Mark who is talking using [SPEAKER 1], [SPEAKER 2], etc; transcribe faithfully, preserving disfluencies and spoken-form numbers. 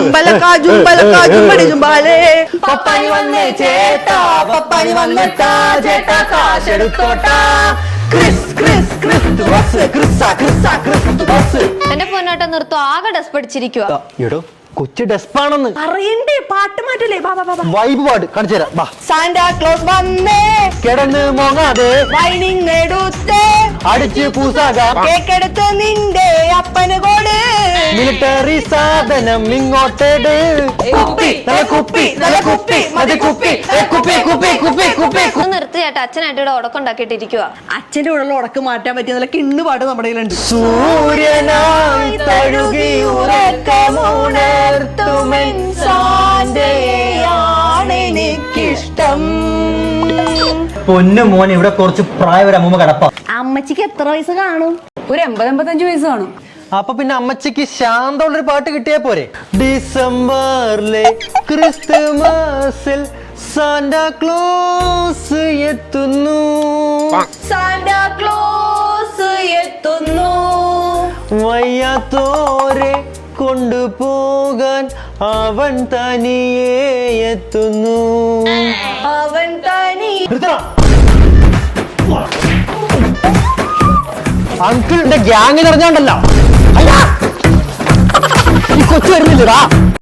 [SPEAKER 1] ജുംബലക്ക ജുംബലക്ക ജുംബടി ജുംബാലേ പപ്പാനി വന്നേ ചേട്ടാ പപ്പാനി വന്നിട്ടാ ചേട്ടാ കാശെടുത്തോട്ടാ ക്രിസ് ക്രിസ് ക്രിസ് ബസ് ക്രിസ്സ ക്രിസ്സ ക്രിസ് ബസ്.
[SPEAKER 2] എന്റെ പൊന്നോട്ടം നിർത്തോ, ആകെ ഡസ് പഠിച്ചിരിക്കുക.
[SPEAKER 1] എടോ കൊച്ചു ഡെസ്പാണെന്ന്
[SPEAKER 3] അറിയണ്ടേ, പാട്ട് മാറ്റല്ലേ.
[SPEAKER 1] വൈബ് പാട് കാണിച്ചു തരാം.
[SPEAKER 3] സാന്റാ ക്ലോസ് വന്നേ
[SPEAKER 1] കിടന്ന് മോങ്ങാതെ
[SPEAKER 3] വൈനിങ് എടുത്തേ
[SPEAKER 1] അടിച്ച് പൂസാകാം
[SPEAKER 3] കേക്കെടുത്ത് നിന്റെ അപ്പന് കോട്
[SPEAKER 1] മിലിറ്ററി സാധനം ഇങ്ങോട്ടേട് കുപ്പി നല്ല കുപ്പി നല്ല കുപ്പി മതി കുപ്പി കുപ്പി കുപ്പി കുപ്പി കുപ്പി.
[SPEAKER 2] ഒന്ന് നിർത്തി ചേട്ടാ, അച്ഛനായിട്ട് ഇവിടെ ഉടക്കുണ്ടാക്കിയിട്ടിരിക്കുക.
[SPEAKER 3] അച്ഛന്റെ കൂടെ ഉടക്ക് മാറ്റാൻ പറ്റിയ നല്ല കിണ്ണു പാട്ട് നമ്മുടെ കയ്യിലുണ്ട്.
[SPEAKER 1] സൂര്യനായി തഴുകി ഉറക്കമുണർത്തുമെനിക്കിഷ്ടം. പൊന്നു മോൻ ഇവിടെ കുറച്ച് പ്രായം ഒരു അമ്മൂമ്മ കിടപ്പ.
[SPEAKER 3] അമ്മച്ചിക്ക് എത്ര വയസ്സ് കാണും?
[SPEAKER 4] ഒരു എൺപത് എൺപത്തഞ്ച് വയസ്സ് കാണും.
[SPEAKER 1] അപ്പൊ പിന്നെ അമ്മച്ചിക്ക് ശാന്തമുള്ളൊരു പാട്ട് കിട്ടിയാ പോരെ? ഡിസംബറിലെ ക്രിസ്തുമസിൽ സാന്റാ ക്ലോസ് എത്തുന്നു,
[SPEAKER 3] സാന്റാ ക്ലോസ് എത്തുന്നു,
[SPEAKER 1] വയ്യാത്തോരെ കൊണ്ടുപോകാൻ അവൻ തനിയെ എത്തുന്നു.
[SPEAKER 3] അവൻ തനി.
[SPEAKER 1] അങ്കിളിന്റെ ഗ്യാങ് നിറഞ്ഞോണ്ടല്ലോ. ഈ കൊച്ചു വരുന്നില്ലടാ.